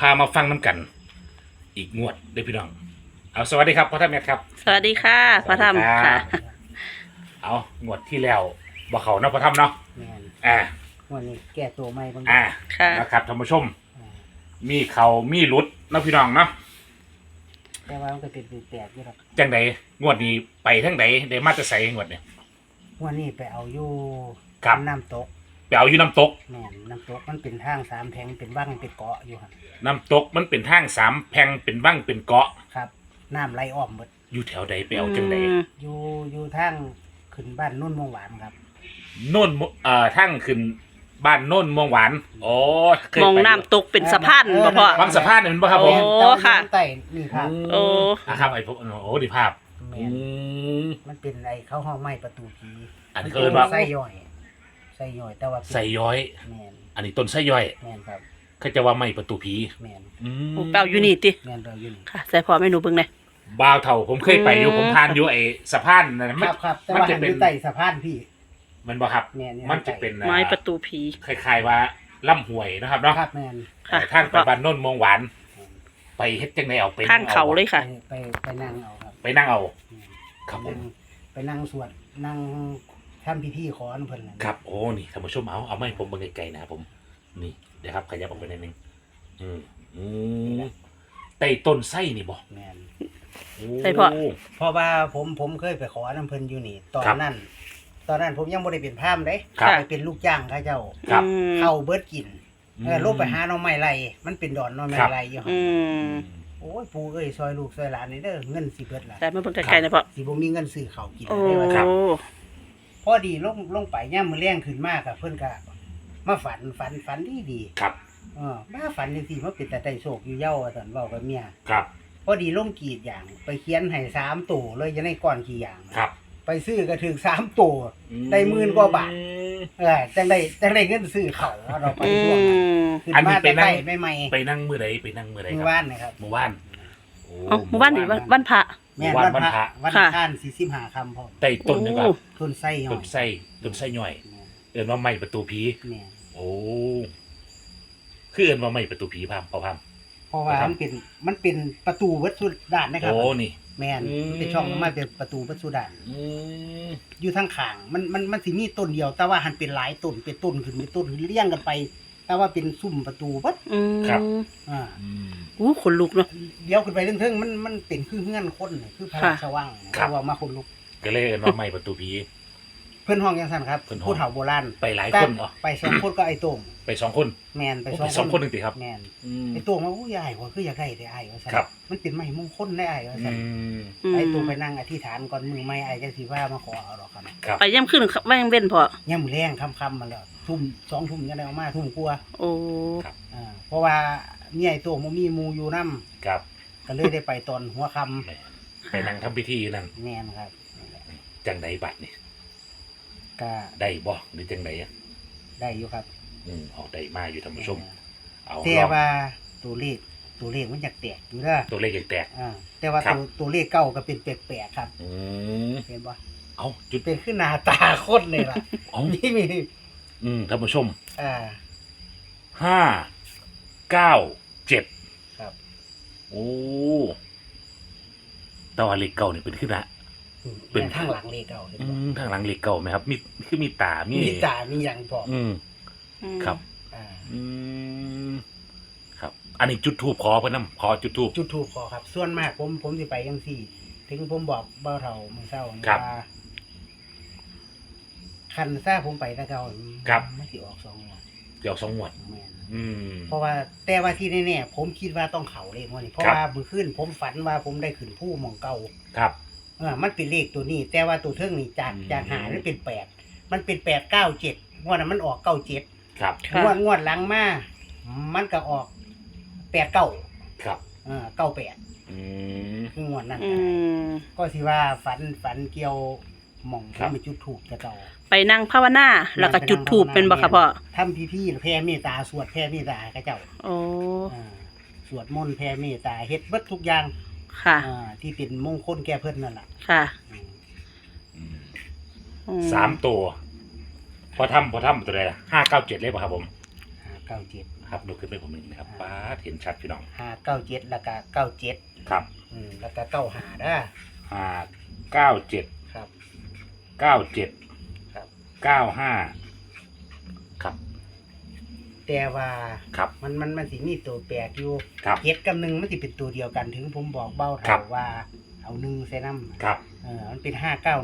ามาฟังน้ำกัน อีกงวดเด้อพี่น้องเอาสวัสดีครับพ่อท่านแม่ครับสวัสดีค่ะพระธรรมค่ะเอางวดที่แล้วบ่เขาเนาะพ่อท่านเนาะแม่นวันนี้แก้ตัวใหม่บางค่ะนะครับท่านผู้ชมมีเขามีหลุดเนาะพี่น้องเนาะแต่ว่ามันก็เป็นแปลกอยู่หรอกจังใดงวดนี้ไปทั้งใดได้มาจะใส่งวดเนี่ยวันนี้ไปเอาอยู่ครับน้ำตกไปเอาอยู่น้ำตกแม่นน้ำตกมันเป็นทางสามแพงเป็นบ้างเป็นเกาะอยู่ครับน้ำตกมันเป็นทางสามแพร่งเป็นบ้างเป็นเกาะครับน้ำไหลอ้อมหมดอยู่แถวใดไปเอาจังใดอยู่ทางขึ้นบ้านนุ่นมวงหวานครับโน่นทางขึ้นบ้านโน่นม่วงหวานอ๋อเคยมองไปน้ำตกเป็นสะพานบ่พ่อบางสะพานเนี่ยมันบ่ครับผมโอ้แต่ว่าค่ะอยู่ใต้นี่ครับโอ้ครับไอ้พวกโอ้ดีภาพแม่อืนมมันเป็นไอ้เข้าห้องไม้ประตูผีอันนี้ก็เอิ้นว่าไส้ย่อยไส้ย่อยแต่ว่าเป็นใส่ย้อยแม่นอันนี้ต้นไส้ย่อยแม่นครับเขาจะว่าไม่ประตูผีแม่นอืมโอ้เปล่าอยู่นี่ติแม่นเราอยู่นี่ค่ะใส่พ่อไม่หนูเบิ่งเลยบ่าวเถ่าผมเคยไปอยู่อืมผมผ่านอยู่ไอ้สะพานนั่นคมันรับครับแต่มันว่าจะหันเป็อน ยู่ใต้สะพานพี่มันบ่ครับแม่นอยู่มันจะเป็นไม้ประตูผีคล้ายๆว่าล่ำหวยนะครับเนาะครับแม่นค่ะทางไปบ้านโน่นม่วงหวาน ไปเฮ็ดจังไดเอาไปข้างเขาเลยค่ะไปนั่งเอาครับไปนั่งเอาแม่นครับผมไปนั่งสวดนั่งทำพิธีขออนเพิ่นน่ะครับโอ้นี่ท่านผู้ชมเอาไม่ผมเบิ่งไกลๆนะครับผมนี่เดี๋ยวครับขยับออกไปนิดนึงอืมอืมไต่ต้นไส้นี่บ่แม่นโอ้ใส่พ่อเพราะว่าผมเคยไปขอน้ำเพิ่นอยู่นี่ตอนครับนั้นผมยังบ่ได้เป็นพราหมณ์เด้ครับไปเป็นลูกจ้างเขาเจ้าครับอืมเข้าเบิดกินลงไปหาหน่อไม้ไร่มันเป็นดอนหน่อไม้ไร่อยู่หั่นอืมโอ้ยปู่เอ้ยซอยลูกซอยหลานนี่เด้อเงินสิเบิดล่ะแต่มาเบิ่งไกลๆนะพ่อสิบ่มีเงินซื้อข้าวกินโอ้ได้ว่าครับพอดีลงไปย่ามมื้อแรงขึ้นมาก็เพิ่นก็มาฝันดีครับมาฝันจังซี่มาเป็นแต่ได้โชคอยู่เย้าว่าซั่นเว้ากับเมียครับพอดีลงกรีดอย่างไปเขียนให้3ตัวเลยจะได้ก้อนกี่อย่างครับไปซื้อก็ถึง3ตัว ได้10,000กว่าบาท จังได้เงินซื้อเขาวเราไปอืช่วงนั้นมขึ้นอันนี้มาไปแต่นั่ใกล้งใหม่ไปนั่งมื้อใดไปนั่งมื้อใดๆคมื้รัอบ วานนะครับเมื่อวานโอ้เอ้าหมู่บ้านนี่วันพระแม่นวันวันพระวันวันค่ะข้าน45ค่ำพร้อมไต่ต้นนี่ครับต้นไส้หน่ต้อน ยไส้ต้นไส้ย่อยเอิ้นว่าไม่ประตูผีแม่นโอ้คือเอิ้นว่าไม่ประตูผีพามพอพามเพราะว่าครับมันเป็นประตูวัดสุดานนะครับโอ้นี่แม่นอืมเป็นช่องมาเป็นประตูวัดสุดานอืมอยู่ทางข้างมันสิมีต้นเดียว แต่ว่าหันเป็นหลายต้นเป็นต้นขึ้นเลี้ยงกันไป แต่ว่าเป็นซุ้มประตูวัดอืมอ่าอืมอู้ขนลุกเนาะเดี๋ยวขึ้นไปเทิงๆมันเป็นคือเงื่อนคนน่ะคือพระราชวังครับเพราะว่ามาคนลุกก็เลยเอิ้นว่าไม่ประตูผีเพื่อนห้องยังสั่นครับเพิ่นห้องผู้เฒ่าโบราณไปหลายคนเหรอไปสองคนก็ไอ้โต้งไปสองคนแมนไปโอ้สองไปสองคนหนึ่งติครับแมนอืมไอ้โต้งว่าอู้ยายว่าคืออยากได้แต่ไอ้ว่าสั่นครับมันเป็นไม้มงคลได้ไอ้ว่าอืสั่นมไอ้โต้งไปนั่งอธิษฐานก่อนมือไม้ไอ้จังสิว่ามาขอเอาดอกครับครับไปย่ำขึ้นแม่งเว้นพ่อย่ำแรงค่ำๆมาแล้วทุ่ม2 ทุ่มยังได้ออกมาทุ่มกลัวาโอ้เพราะว่าเมียไอ้โต้งบ่มีหมู่อยู่นํครับก็เลยได้ไปตอนหัวค่ไปนั่งทำพิธีนั่นำแมนครับนั่นแหละจังใดบัตรนี่ก็ได้บ่หรือจังใดอ่ะได้อยู่ครับออกได้มาอยู่ท่านผู้ชม เอาแต่ลองว่าตัวเลขมันอยากแตกอยู่เด้อตัวเลขยังแตกแต่ว่าครับตัวเลขเก้าก็เป็นแปลกๆครับอืมเห็นปะเอาจุดเป็นขึ้นหน้าตาโคตรเลยล่ะเอานี่มีท่านผู้ชมอ่าห้าเก้าเจ็ดครับโอ้แตว่าเลขเก่านี่เป็นขึ้นละ เป็เป็น นข้างหลังเลขเก้าเห็นปะทางหลังเลขเก่าไหมครับ มีคือมีตา มีมีตามีอย่างพออืม ครับอ่าอืมครับ อันนี้จุดทูบขอเพื่อนนำขอจุดทูบจุดถูกพอครับ ส่วนมากผมสิไปยังสี่ ถึงผมบอกเบ้าเท่ามือเศร้านี่ครับว่าคันซ่าผมไปแตะเก่าครับไม่สิออก2 งวดเดี๋ยว2 งวดแม่นอืมเพราะว่าแต่ว่าที่แน่ๆผมคิดว่าต้องเขาเลขงวดนี้เพราะครับว่ามื้อคืนผมฝันว่าผมได้ขึ้นผู้หมองเก่าครับมันเป็นเลขตัวนี้ แต่ว่าตัวเทิงนี่จากอืมจากหามันเป็น8มันเป็น897งวดนั้นมันออก97 ครับค่ะงวดหลังมามันก็ออก89 ครับ 98 อืมคืองวดนั้นอืมก็สิว่าฝันเกี่ยวหม่องครับที่มันจุดถูกแต่เก่าไปนั่งภาวนาแล้วก็จุดธูปเป็นบ่คะพ่อทำพิธีแผ่เมตตาสวดแผ่เมตตาให้เจ้าโอ้อ่าสวดมนต์แผ่เมตตาเฮ็ดเบิดทุกอย่างค่ะที่เป็นมงคลแก่เพิ่นนั่นล่ะค่ะอืมอืมอื 3 ตัว พอทำตัวใดล่ะ597 เลยป่ะครับผม 597 นะครับดูขึ้นไปผมหนึ่งนะครับป้าดเห็นชัดพี่น้อง 597แล้วก็97 ครับแล้วก็95ด้า 597 ครับ 97 ครับ 95ครับแต่ว่าครับมันสิมีตัวแปลกอยู่ครับเจ็ดกับหนึ่งมันสิเป็นตัวเดียวกันถึงผมบอกเบ้าครัเท่าบว่าเอาหนึ่งใส่น้ำครับมันเป็น591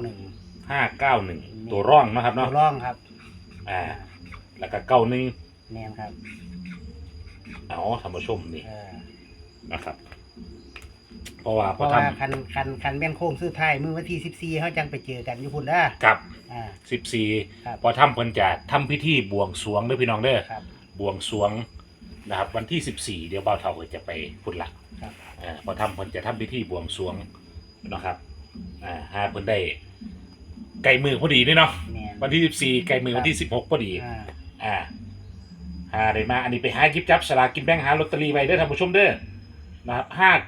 591ตัวร่องนะครับตัเนาะวร่องครับแล้วก็91 แม่นครับเอาท่านผู้ชมนี่เออนะครับ เพราะว่าเพพอราะทว่าคันแม่นโค้งสุดท้ายมื้อวันที่14เฮาจังไปเจอกันอยู่พุ่นเด้อำกับอ่า ครับ 14พอทำเพิ่นจะทำพิธีบวงสรวงเด้อพี่น้องเด้อครับบวงสรวงนะครับ วันที่14เดี๋ยวบ่าวเฒ่าก็จะไปพุ่นละครับพอทำเพิ่นจะทำพิธีบวงสรวงนะครับหาเพิ่นได้ไก่มือพอดีนี่เนาะแม่นวันที่14ไก่มือวันที่16พอดีอ่าหาได้มาอันนี้ไปหาหยิบจับสลากกินแบ่งหาลอตเตอรี่ไว้เด้อท่านผู้ชมเด้อนะครับ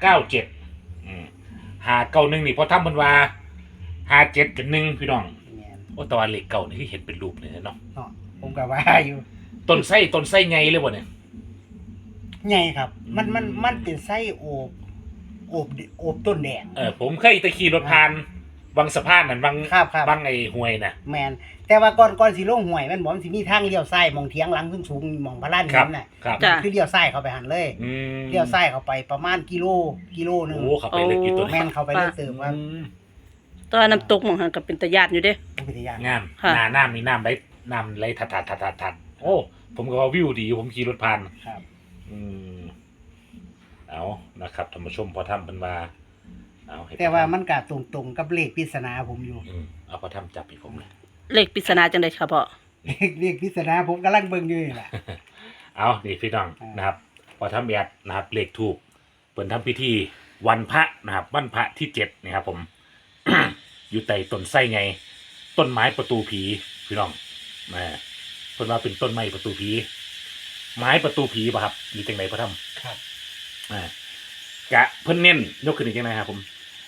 597591นี่พอทำเพิ่นว่า57กับ1พี่น้องแม่นโอ้แตะวันเลขเก่านี่ที่เห็นเป็นรูปเลยเนาะเนาะผมก็ว่าอยู่ต้นไส้ไงเลยบ่เนี่ยใหญ่ครับ มันอืมมันเป็นไส้โอบต้นแดงผมเคยตะขี่รถผ่านวังสะพานนั่นวังครับวังไอ้ห้วยน่ะแมนแต่ว่าก่อนสิลงห้วยมันบอกมันสิมีทางเลี้ยวซ้ายมองเถียงหลังสูงๆมองพระลานครัหิบนน่ะครับจ้ะคือเลี้ยวซ้ายเข้าไปหันเลยอืมเลี้ยวซ้ายเข้าไปประมาณกิโลนึงโอ้ขับไปเลยกี่ตัวแม่นเข้าไปเลยเติมว่าอืมตอนน้ำตกหมองหันกับเป็นตะยานอยู่เด้อุทยานงามค่ะน้ำนี่น้ำไหลทัดโอ้ผมก็ว่าวิวดีผมขี่รถผ่านครับอืมเอานะครับท่านผู้ชมพอทำเป็นว่าเอาให้แต่ว่ามันก็ตรงๆกับเลขปริศนาผมอยู่เอาพอทำจับอีกผมเลยเลขปริศนาจังได๋ครับพ่อเลขปริศนาผมกำลังเบิ่งอยู่นี่แหละเอานี่พี่น้องอ่านนะครับ พอทำแอดนะครับเลขถูกเปิดทำพิธีวันพระนะครับวันพระที่7นะครับผม อยู่ใต้ต้นไส้ไง ต้นไม้ประตูผีพี่น้องมาเพิ่นว่าเป็นต้นไม้ประตูผีไม้ประตูผีป่ะครับหรือจังไดพอทำครับกะเพิ่นเน้นยกขึ้นอีกยังไงครับผม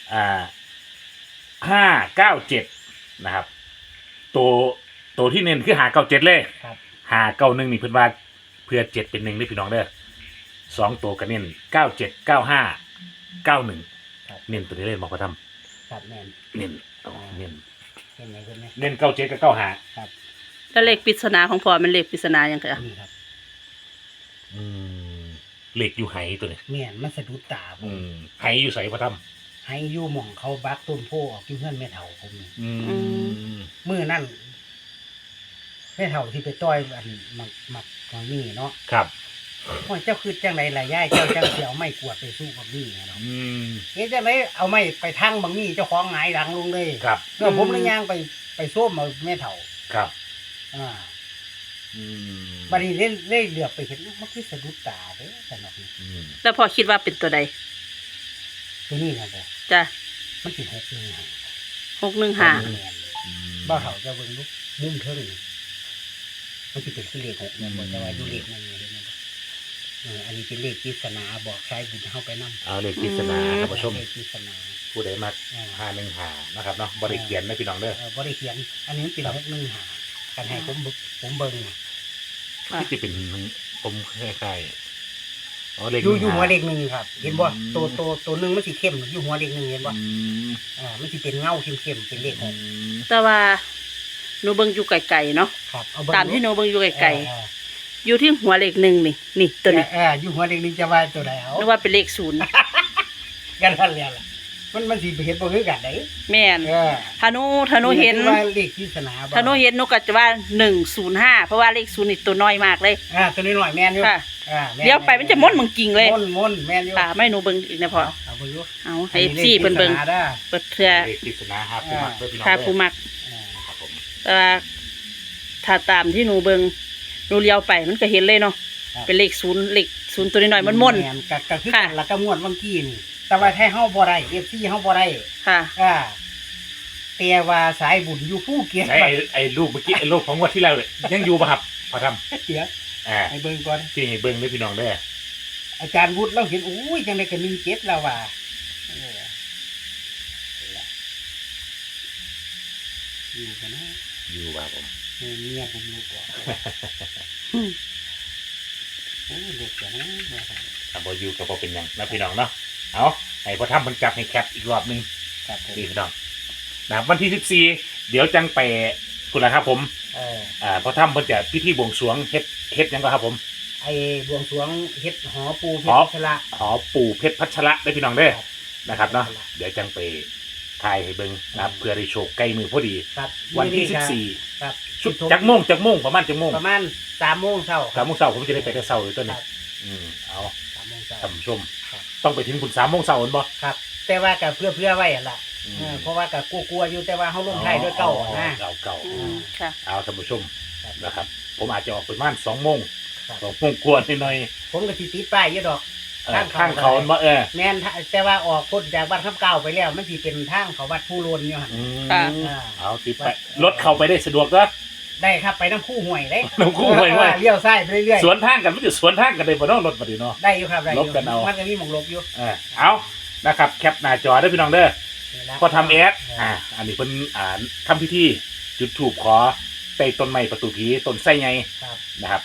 597นะครับ ตัวที่เน้นคือ597เลยครับ 591นี่เพิ่นว่าเพื่อ7เป็น1ได้พี่น้องเด้อ2ตัวก็เน้น97 95 91 ครับเน้นตัวนี้เลยบอกว่าทครับแม่นำเน้นเอาเน้นเห็นไหมเห็นไหมเน้น97กับ95 ครับแล้วเลขปริศนาของพ่อมันเลขปริศนาหยังคะนี่ครับอืมเหล็กอยู่ไหตัวนี้แม่นมันสะดุดตาผมไหอยู่ใส่พอทให้อยู่หม่องเขาบักต้นโพออกที่เพื่อนแม่เฒ่าผมนี่ำอืมมื้อนั่นแม่เฒ่าที่ไปต้อยอันมักนี่เนาะครับว่าเจ้าคือจังไรล่ะย่ายเจ้าจังสิเอาไม้กวาดไปสู้บักนี่เนาะอืมเอ๊ะจังไรเอาไม้ไปทั้งบักนี่เจ้าของหงายหลังลงเลยครับแล้วผมเลยย่างไปส้มเอาแม่เฒ่าครับอ่าอืมบัดนี้เล่เหลือบไปเห็นมันคือสะดุดตาเด้อสำหรับนี่อืมแล้วพ่อคิดว่าเป็นตัวใดตัวนี้นะบ่จ้ะมันสิ6นึงฮะ 615 บ้าเฒ่าจะเบิ่งลูกมุมเทิงนี่มันสิเป็นคือเลข6เนี่ยบ่แต่ว่าอยู่เลขนึงเนี่ยเห็นไหมบ่อันนี้เป็นเลขปริศนาบอกใช้บุญเฮาไปนำเอาเลขปริศนาท่านผู้ชมเลขปริศนาผู้ใดมา 515นะครับเนาะบริเขียนนะพี่น้องเด้อบ่ได้เขียน อันนี้มันเป็น615กันให้ผมเบิ่งน่ะค่ะที่จะเป็นผมคล้ายๆอ๋อเลขอยู่หัวเลขหนึ่งครับ เห็นบ่อืมตัวหนึงมันสิเข้มอยู่หัวเลขหนึ่งเห็นบ่อืมมันสิเป็นเงาเข้มๆเป็นเลขอื 6 มแต่ว่าหนูเบิ่งอยู่ไกลๆเนาะครับเอาเบิ่งตามที่หนูเบิ่งอยู่ไกลเออๆอยู่ที่หัวเลข1นี่ตัวนี้อยู่หัวเลขหนึ่งจะว่าตัวใดเอานึกว่าเป็นเลข0 กันนั่นแหละล่ะมันสิเห็นบ่คือกันได้แม่นเออถ้าหนูเห็นว่าเลขปริศนาบ่ถ้าหนูเห็นหนูก็จะว่า105เพราะว่าเลข0นี่ตัวน้อยมากเลยตัวนี้หน่อยแม่นอยู่ค่ะแม่เดี๋ยวไปมันจะม้วนมึงกิ่งเลยม่นแม่นอยู่ค่ะไม่หนูเบิ่งอีกนะพ่อเอาเบิ่งอยู่เอาให้ FC เพิ่นเบิ่งอัลขปริศนาด้อเปิดเพื่อเลขปริศนาครับผู้มักเด้อพี่น้องค่าเด้อผู้มักอ่าครับผมแต่ว่าถ้าตามที่หนูเบิ่งหนูเลี้ยวไปมันก็เห็นเลยเนาะเป็นเลข0ตัวน้อยๆมันม่วนแม่ก็คือค่ะกันแล้วก็ม่วนบางทีนี่แต่ว่าให้เฮาบ่ได้ FC เฮาบ่ได้ค่ะแต่ว่าสายบุญอยู่ภูเก็ตใช่ไอ้รูปเมื่อกี้ไอ้รูปของงวันที่แล้วเลยยังอยู่ป่ะครับพอทเดี๋ยวำให้เบิ่งก่อนที่ให้เบิ้งเด้อพี่น้องเด้ออาจารย์วุฒิเราเห็นอุ้ยจังได๋ก็17แล้วว่าเออเห็นละอยู่กันนะอยู่ว่าผมเมียผมรู้ก่อนโอ้เด็กอย่างนั้นนะครับถ้าบ่อยู่ก็บ่เป็นหยังนะพี่น้องเนาะเอาให้พอทำมันจับให้แคปอีกรอบหนึงครับผมนี่พี่น้องนะครับวันที่14เดี๋ยวจังไปคุณละครับผม พอทำเพิ่นจะพิธีบวงสรวงเฮ็ดหยังก็ครับผมไอ้บวงสรวงเฮ็ดหอปูเพหอชรชละหอปู่เพชรพัชระได้พี่น้องเด้อครับนะครับเนาะพัชระเดี๋ยวจังไปถ่ายให้เบิ่งนะครับเพื่อได้โชคใกล้มือพอดีครับวันที่มื้อนี้ 14 ครับชุดจักโมงประมาณจักโมงประมาณ3 โมงเช้า 3 โมงเช้าผมจะได้ไปแต่เช้าเลยตัวคนี้รับเอา 3 โมงเช้าท่านผู้ชมครับต้องไปถึงคุณ3 โมงเช้าเห็นบ่ครับ แต่ว่าก็เพื่อไว้หั่นล่ะอืมเพราะว่าก็กลัวๆอยู่แต่ว่าเฮาลงท้ายด้วยเก่านะเก่าอืมค่ะเอาท่านผู้ชมครับนะครับ ผมอาจจะออกประมาณ2 โมงครับ 2 โมงกว่าหน่อยผมก็สิติดป้ายอยู่ดอกข้างเขาบ่แม่นแต่ว่าออกพ้นจากวัดคำเก่าไปแล้วมันสิเป็นทางเขาวัดผู้โลนอยู่หั่นค่ะเอาติดไปรถเข้าไปได้สะดวกก็ได้ครับไปน้ำคู่ห่วยได้น้ำคู่ห่วยว่าเลี้ยวซ้ายไปเรื่อยสวนทางกันมันจะสวนทางกันได้บ่เนาะรถบัดนี้เนาะๆได้อยู่ครับได้อลยู่บกันเอามันก็มีหมองลบอยู่เอานะครับแคปหน้าจอได้อพี่น้องเด้อนี่ล่ะพอทำแอดอันนี้เพิ่นทำพิธีจุดธูปขอใต้ต้นไม้ประตูผีต้นไส้ไงครับนะครับ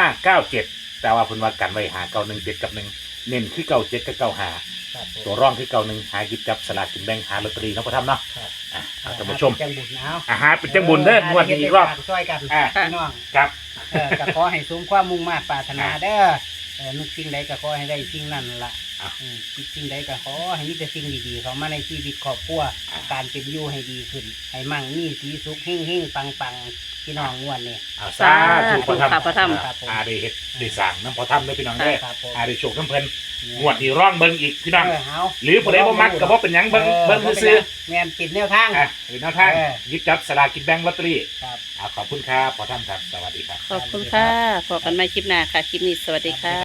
597แต่ว่าเพิ่นว่ากันไว้5917กับ1เน้นคือ97กับ95 ครับผมตัวร่องคือ91หาหยิบจับสลากกินแบ่งหาลอตเตอรี่เนาะพ่อทำเนาะครับเอาท่านผู้ชมจังบุญเอาหาเป็นจังบุญเด้องวดนี้อีกรอบช่วยกันอ่าพี่น้องครับก็ขอให้สมความมุ่งมา่ปรารถนาเด้อนึกสิ่งใดก็ขอให้ได้สิ่งนั้นล่ะอ่ะคิดสิ่งใดก็ขอให้มีแต่สิ่งดีๆเข้ามาในชีวิตครอบครัวการเป็นอยู่ให้ดีขึ้น ให้มั่งมีสีสุขเฮงๆปังๆพี่น้องงวดนี้สาธุพ่อทำค่ะพ่อทครับผมได้เฮ็ดได้สร้างน้ำพ่อทำได้อพี่น้องเด้อครับผมได้โชคน้ำเพิ่นงวดนี้ร่องเบิ่งอีกพี่น้องเอาหรือผู้ใดบ่มักก็บ่เป็นหยังเบิ่งซื่อแม่นปิดแนวทางเป็นแนวทางเออหยิบจับสลากกินแบ่งลอตเตอรี่ครับขอบคุณครับพ่อทำครับสวัสดีครับขอบคุณค่ะพบกันใหม่คลิปหน้าค่ะ คลิปนี้สวัสดีค่ะ